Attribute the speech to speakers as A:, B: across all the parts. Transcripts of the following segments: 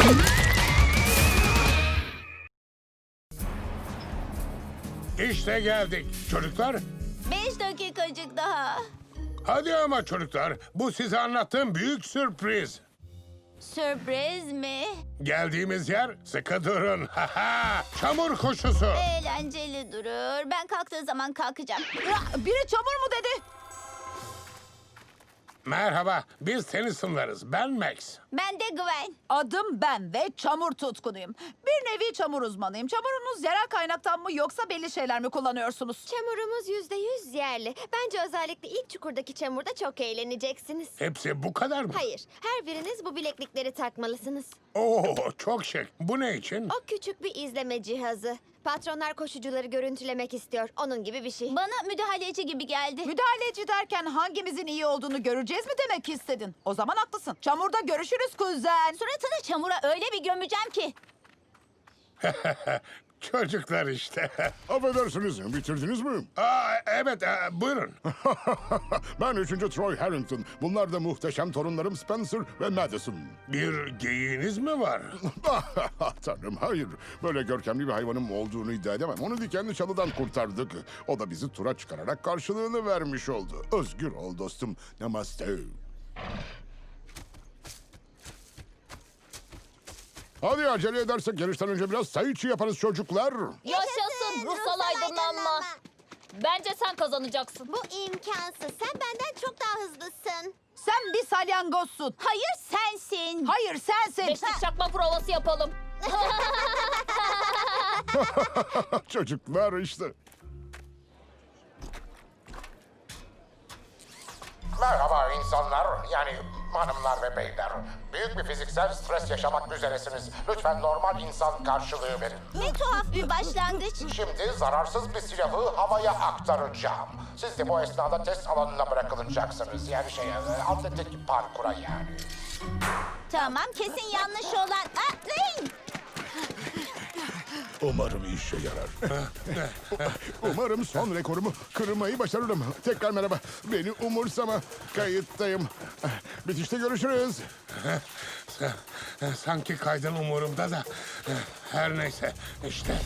A: İşte geldik. Çocuklar,
B: 5 dakikacık daha.
A: hadi ama çocuklar. Bu size anlattığım büyük sürpriz.
B: Sürpriz mi?
A: Geldiğimiz yer sıkı durun. Çamur koşusu.
B: Eğlenceli durur. Ben kalktığı zaman kalkacağım.
C: Biri çamur mu dedi?
A: Merhaba, biz Tennyson'larız. Ben Max.
B: Ben de Gwen.
C: Adım ben ve çamur tutkunuyum. Bir nevi çamur uzmanıyım. Çamurunuz yerel kaynaktan mı yoksa belli şeyler mi kullanıyorsunuz?
D: Çamurumuz %100 yerli. Bence özellikle ilk çukurdaki çamurda çok eğleneceksiniz.
A: Hepsi bu kadar mı?
D: Hayır, her biriniz bu bileklikleri takmalısınız.
A: Oo, çok şık. Bu ne için?
D: O küçük bir izleme cihazı. Patronlar koşucuları görüntülemek istiyor. Onun gibi bir şey.
B: Bana müdahaleci gibi geldi.
C: Müdahaleci derken hangimizin iyi olduğunu göreceğiz mi demek istedin? O zaman haklısın. Çamurda görüşürüz kuzen.
B: Suratını çamura öyle bir gömeceğim ki.
A: Çocuklar işte.
E: Affedersiniz, bitirdiniz mi?
A: Evet, buyurun.
E: Ben 3. Troy Harrington. Bunlar da muhteşem torunlarım Spencer ve Madison.
A: Bir geyiğiniz mi var?
E: Tanrım, hayır. Böyle görkemli bir hayvanım olduğunu iddia edemem. Onu dikenli çalıdan kurtardık. O da bizi tura çıkararak karşılığını vermiş oldu. Özgür ol dostum. Namaste. Hadi acele edersek yarıştan önce biraz sayı içi yaparız çocuklar.
F: Yaşasın ruhsal aydınlanma. Bence sen kazanacaksın.
D: Bu imkansız. Sen benden çok daha hızlısın.
C: Sen bir salyangozsun.
B: Hayır sensin.
C: Hayır sensin.
F: Beşlik çakma provası yapalım.
E: Çocuklar işte.
G: Merhaba insanlar, yani hanımlar ve beyler. Büyük bir fiziksel stres yaşamak üzeresiniz. Lütfen normal insan karşılığı verin.
B: Ne tuhaf bir başlangıç.
G: Şimdi zararsız bir silahı havaya aktaracağım. Siz de bu esnada test alanına bırakılacaksınız. Yani atletik parkura yani.
B: Tamam kesin yanlış olan. Atlayın.
E: Umarım işe yarar. Umarım son rekorumu kırmayı başarırım. Tekrar merhaba. Beni umursama. Kayıttayım. Bitişte görüşürüz.
A: Sanki kaydın umurumda da. Her neyse, işte.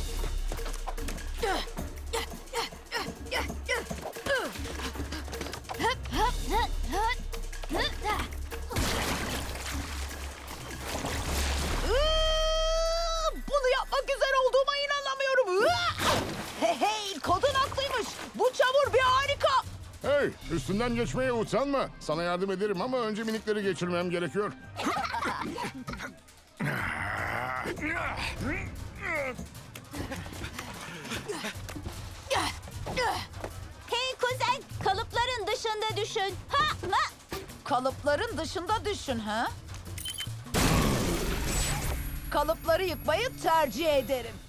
C: Bunu yapmak üzere olduğuma inanamıyorum. Hey, kadın haklıymış. Bu çamur bir harika.
E: Hey, üstünden geçmeye utanma. Sana yardım ederim ama önce minikleri geçirmem gerekiyor.
B: Hey kuzen, kalıpların dışında düşün.
C: Kalıpların dışında düşün ha? Kalıpları yıkmayı tercih ederim.